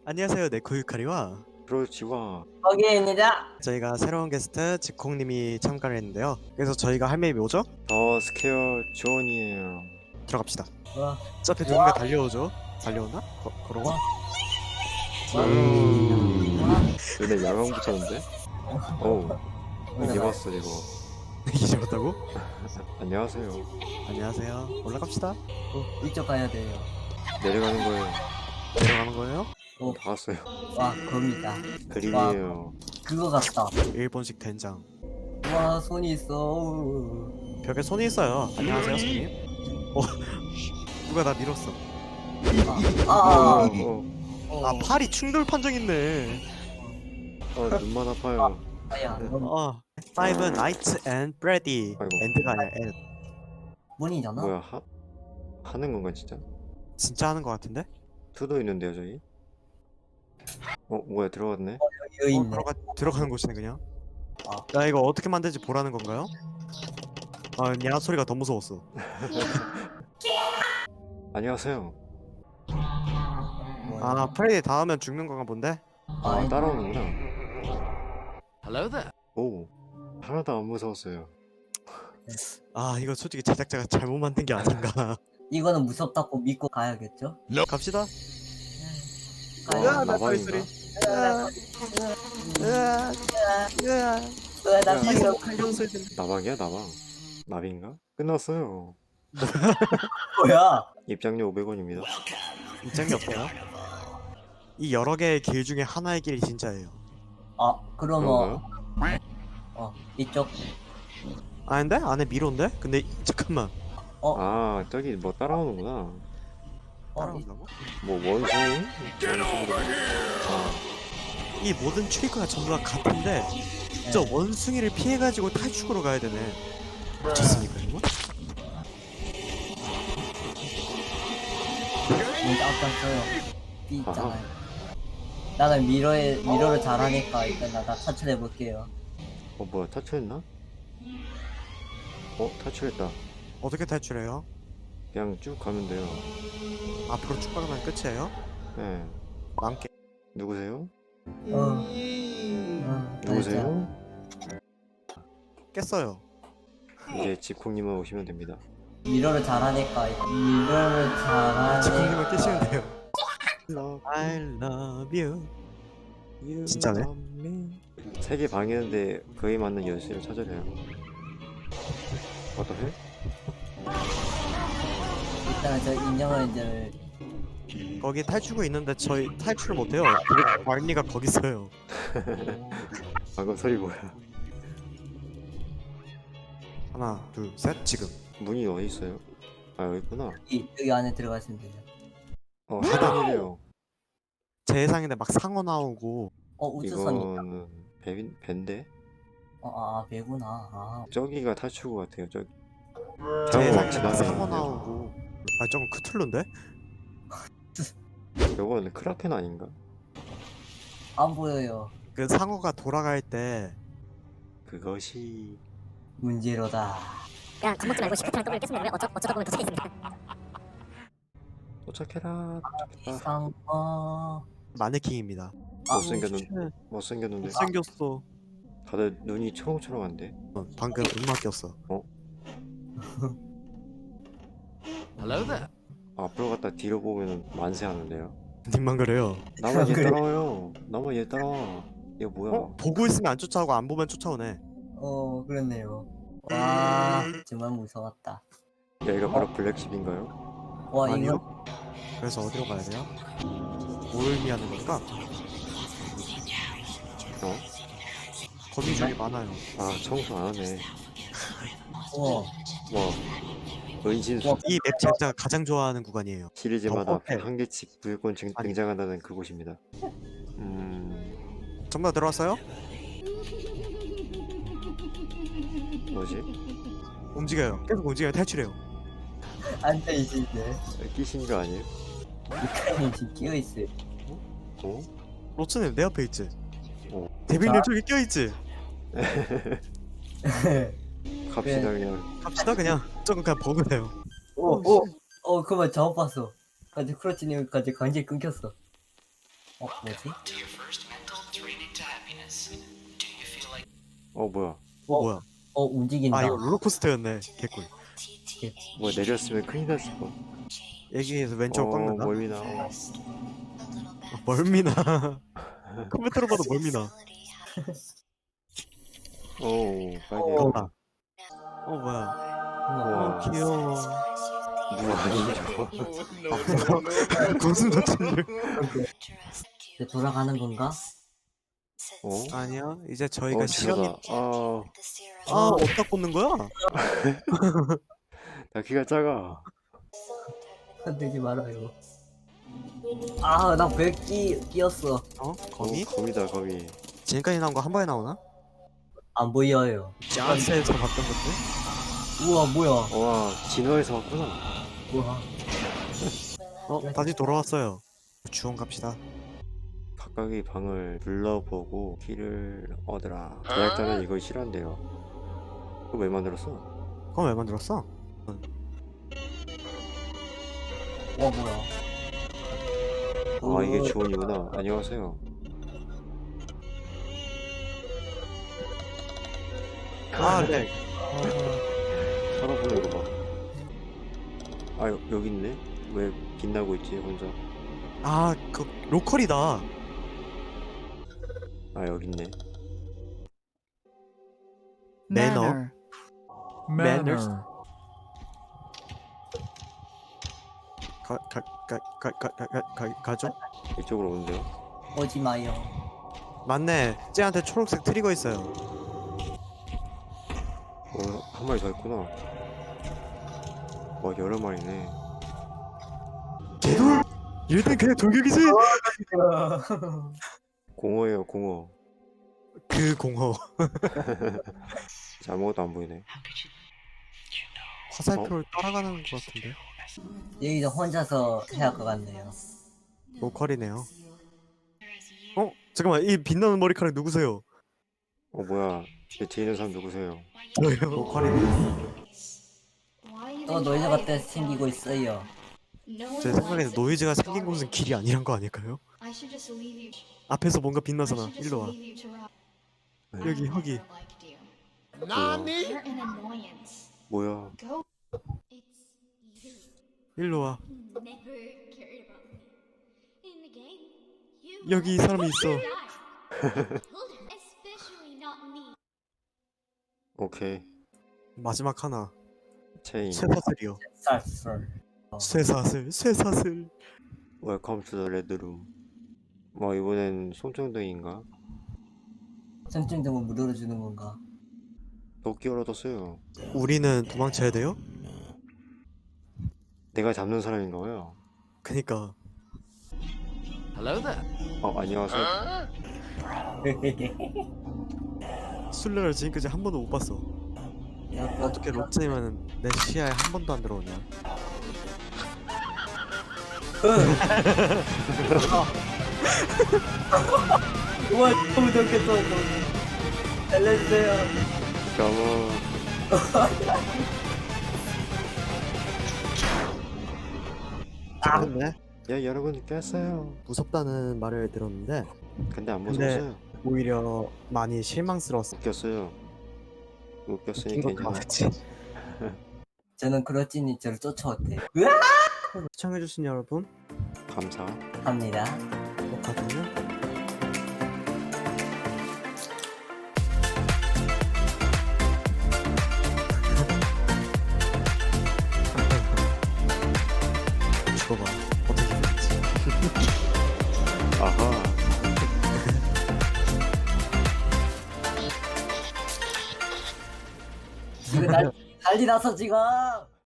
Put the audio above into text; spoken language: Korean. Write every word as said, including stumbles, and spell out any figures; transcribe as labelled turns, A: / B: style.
A: 안녕하세요, 네코유카리와
B: 그렇지와
C: 거기입니다.
A: 저희가 새로운 게스트 지콩님이 참가를 했는데요. 그래서 저희가 할 맵이 뭐죠?
B: 더 스퀘어 존이에요.
A: 들어갑시다.
C: 와,
A: 어차피 누군가 달려오죠? 달려오나? 거, 걸어와?
B: 음. 얘네 야광 붙였는데? 어우 이제 봤어 이거.
A: 이제 왔다고?
B: 안녕하세요.
A: 안녕하세요. 올라갑시다.
C: 어, 이쪽 가야 돼요.
B: 내려가는 거예요.
A: 내려가는 거예요?
C: 어,
B: 다 왔어요.
C: 와, 겁니다.
B: 그림이에요.
C: 그거 같다.
A: 일본식 된장.
C: 와, 손이 있어.
A: 벽에 손이 있어요. 안녕하세요, 손님. 어, 누가 나 밀었어.
C: 아,
B: 어,
C: 아,
B: 어,
C: 어,
A: 아, 팔이 충돌 판정 있네.
B: 어, 눈만 아파요.
C: 아야, 문,
A: 어, 파이브 나이츠 앤 브레디.
B: 아이고.
A: 엔드가 아니라 엔.
C: 문이잖아.
B: 뭐야 하 하는 건가 진짜?
A: 진짜 하는 거 같은데?
B: 투도 있는데요 저기? 어 뭐야 들어갔네?
C: 여기
A: 어,
C: 있네.
A: 들어가, 들어가는 곳이네 그냥.
C: 아.
A: 야, 이거 어떻게 만들지 보라는 건가요? 아, 야 소리가 더 무서웠어.
B: 안녕하세요.
C: 뭐야.
A: 아, 프레디 닿으면 죽는 건가 본데?
B: 아
C: 아니,
B: 따라오는구나.
D: Hello there.
B: 오 하나도 안 무서웠어요.
A: 아, 이거 솔직히 제작자가 잘못 만든 게 아닌가.
C: 이거는 무섭다고 믿고 가야겠죠?
A: 갑시다.
B: 와
A: 으아, 나
B: 나방인가?
A: 으아, 으아, 으아.
C: 으아, 나
B: 야.
C: 살려.
A: 칼령 소리 들려.
B: 나방이야 나방? 나비인가? 끝났어요.
C: 뭐야?
B: 입장료 오백 원입니다.
A: 입장이 없어요. 이 여러 개의 길 중에 하나의 길이 진짜예요.
C: 아, 그러면
B: 그런가요?
C: 어, 이쪽.
A: 아닌데? 안에 미로인데? 근데 이- 잠깐만.
B: 아 저기 뭐 따라오는구나.
C: 어, 이-
A: 따라온다고?
B: 뭐 원숭이? 원숭이로? 아
A: 이 모든 트리커가 전부 다 같은데 저
C: 네.
A: 원숭이를 피해가지고 탈출으로 가야 되네. 미쳤습니까 이거?
C: 문 깜짝어요. 삐 있잖아요. 나는 미러에 미러를 잘하니까 일단 나, 나 탈출해 볼게요.
B: 어 뭐야 탈출했나? 어 탈출했다.
A: 어떻게 탈출해요?
B: 그냥 쭉 가면 돼요.
A: 앞으로 쭉 가면 끝이에요?
B: 네.
A: 망게.
B: 누구세요?
C: 어. 어,
B: 누구세요?
A: 깼어요.
B: 이제 지콩님만 오시면 됩니다.
C: 미러를 잘하니까 미러를 잘하니까
A: 지콩님을 깨시면 돼요. I love you. 진짜네?
B: 세개 방이었는데 그에 맞는 열쇠를 찾으래요. 어떠해?
C: 일단 저 인형을 이제
A: 거기 탈출구 있는데 저희 탈출을 못해요. 말니가 거기 있어요.
B: 방금 소리 뭐야?
A: 하나, 둘, 셋. 지금.
B: 문이 어디 있어요? 아 여기 있구나.
C: 이, 여기 안에 들어가시면 돼요.
B: 어 하단이래요.
A: 제 예상인데 막 상어 나오고
C: 어 우주선이 있다.
B: 이거는 배 밴데?
C: 어, 아, 아 배구나. 아,
B: 저기가 탈출구 같아요. 저기.
A: 제
B: 상어
A: 예상인데 막
B: 지나가야
A: 상어
B: 되는데.
A: 나오고 아 조금 크툴루인데?
B: 요거는 크라켄 아닌가?
C: 안 보여요.
A: 그 상어가 돌아갈 때
B: 그것이
C: 문제로다.
E: 그냥 겁먹지 말고 시프트랑 더블 계속 누르면 어쩌, 어쩌다 보면 도착했습니다.
B: 도착해라. 도착했다.
C: 이상 어.
A: 마네킹입니다.
C: 아,
B: 못생겼는 못생겼는데
A: 못생겼어.
B: 다들 눈이 초롱초롱한데.
A: 어, 방금 음악 꼈어.
D: Hello there.
B: 앞으로 갔다 뒤로 보면 만세하는데요.
A: 님만 그래요.
B: 나만 얘
C: 그래?
B: 따라와요. 나만 얘 따라와. 이거 뭐야?
A: 어? 보고 있으면 안 쫓아오고 안 보면 쫓아오네.
C: 어, 그렇네요. 와, 정말 무서웠다.
B: 여기가 바로 블랙십인가요?
C: 와,
A: 아니요.
C: 이거
A: 그래서 어디로 가야 돼요? 뭘 의미하는 걸까?
B: 어?
A: 거미줄이 많아요.
B: 아 청소 안 하네.
C: 어,
B: 와 은신수
A: 이 맵 제작자가 가장 좋아하는 구간이에요.
B: 시리즈마다
A: 더 호텔.
B: 한 개씩 무조건 증-
A: 아니.
B: 등장한다는 그곳입니다. 음
A: 전부 다 들어왔어요?
B: 뭐지?
A: 움직여요. 계속 움직여요. 탈출해요.
C: 앉아 있는데
B: 끼신 거 아니에요?
C: 미카엘이 지금 끼어 있어요.
B: 어?
A: 로츠님 내 옆에 있지?
B: 어.
A: 데빌님
C: 자.
A: 저기 껴있지?
B: 갑시다
C: 네.
B: 그냥.
A: 갑시다 그냥. 조금 그냥 버그래요.
C: 오, 오, 어, 그만 잘못 봤어. 아직 크러치님까지 강제 끊겼어. 어 뭐지?
B: 어 뭐야?
A: 어 뭐야?
C: 어 움직인다.
A: 아 이거 롤러코스터였네. 개꿀.
B: 뭐 내렸으면 큰일 났을 뻔.
A: 여기에서 왼쪽
B: 어
A: 꺾는다.
B: 멀미나. 어.
A: 아, 멀미나. 컴퓨터로 봐도 멀미나.
B: 오 빨개.
C: 어.
A: 아. 어 뭐야?
B: 우와.
A: 어 귀여워.
B: 누가 아니죠?
A: 무슨 도치를?
C: 이제 돌아가는 건가?
B: 어?
A: 아니야. 이제 저희가
B: 어
A: 시간이
B: 지루다. 아,
A: 아 어디다 꽂는 거야?
B: 나 키가 작아.
C: 흔들지 말아요. 아, 나 왜 끼, 끼었어.
A: 어?
B: 거미?
A: 거미?
B: 거미다 거미.
A: 지금까지 나온 거 한 번에 나오나?
C: 안 보여요.
A: 짠스에서 봤던 건데?
C: 우와, 뭐야.
B: 와 진화에서 왔구나.
C: 우와.
A: 어 다시 돌아왔어요. 주원 갑시다.
B: 각각의 방을 불러보고 키를 얻으라. 제작자는 이걸 싫어한대요. 그거 왜 만들었어?
A: 그건 왜 만들었어?
C: 와, 뭐야.
B: 아 이게 주원이구나. 안녕하세요.
A: 아 네.
B: 살아보는 거 봐. 아 여, 여기 있네? 왜 빛나고 있지 혼자?
A: 아그 로컬이다.
B: 아 여기 있네.
A: 매너. Manners. 가가가가가가 가죠?
B: 이쪽으로 오는데요?
C: 오지 마요.
A: 맞네. 쟤한테 초록색 트리거 있어요.
B: 어, 한 마리 더 있구나. 와 여러 마리네.
A: 개돌. 얘는 그냥 돌격이지.
B: 공어예요 공어.
A: 그 공허.
B: 진짜 아무것도 안 보이네.
A: 화살표를 따라가는 것 같은데.
C: 여기서 혼자서 해야 할 것 같네요.
A: 로컬이네요. 어 잠깐만 이 빛나는 머리카락 누구세요?
B: 어 뭐야? 제 뒤에 있는 사람 누구세요?
A: 저요. 로컬이네요.
C: 또 노이즈가 때 생기고 있어요.
A: 제 생각에는 노이즈가 생긴 곳은 길이 아니란 거 아닐까요? 앞에서 뭔가 빛나잖아. 일로 와. 여기 여기.
B: 뭐야?
A: 일로 와. 여기 이 사람이 있어.
B: 오케이.
A: 마지막 하나.
B: 체인.
A: 쇠사슬이요.
C: 쌀쌀.
A: 쇠사슬. 쇠사슬.
B: 웰컴 투 더 레드룸. 뭐 이번엔 손전등인가?
C: 전증등은 무료로 주는 건가?
B: 도끼를 얻었어요.
A: 우리는 도망쳐야 돼요?
B: 내가 잡는 사람인가요?
A: 그니까
D: Hello there.
B: 어 안녕하세요.
A: 술래를 지금까지 한 번도 못 봤어. 어떻게 롯데면은 내 시야에 한 번도 안 들어오냐?
C: 우와, 너무 좋겠어. 알려주세요.
B: 잠깐만.
A: 잘했네.
B: 야 여러분 깼어요.
A: 무섭다는 말을 들었는데
B: 근데 안
A: 근데-
B: 무서웠어요.
A: 오히려 많이 실망스러웠어.
B: 웃겼어요. 웃겼으니
A: 웃긴 거
B: 괜찮아.
A: 맞지?
C: 저는 그렇지니 저를 쫓아왔대.
A: 시청해주신 여러분
B: 감사.
C: 합니다.
A: 똑같으면 죽어봐. 어떻게 될지.
B: 아하.
C: 지금 날 난리 났어 지금.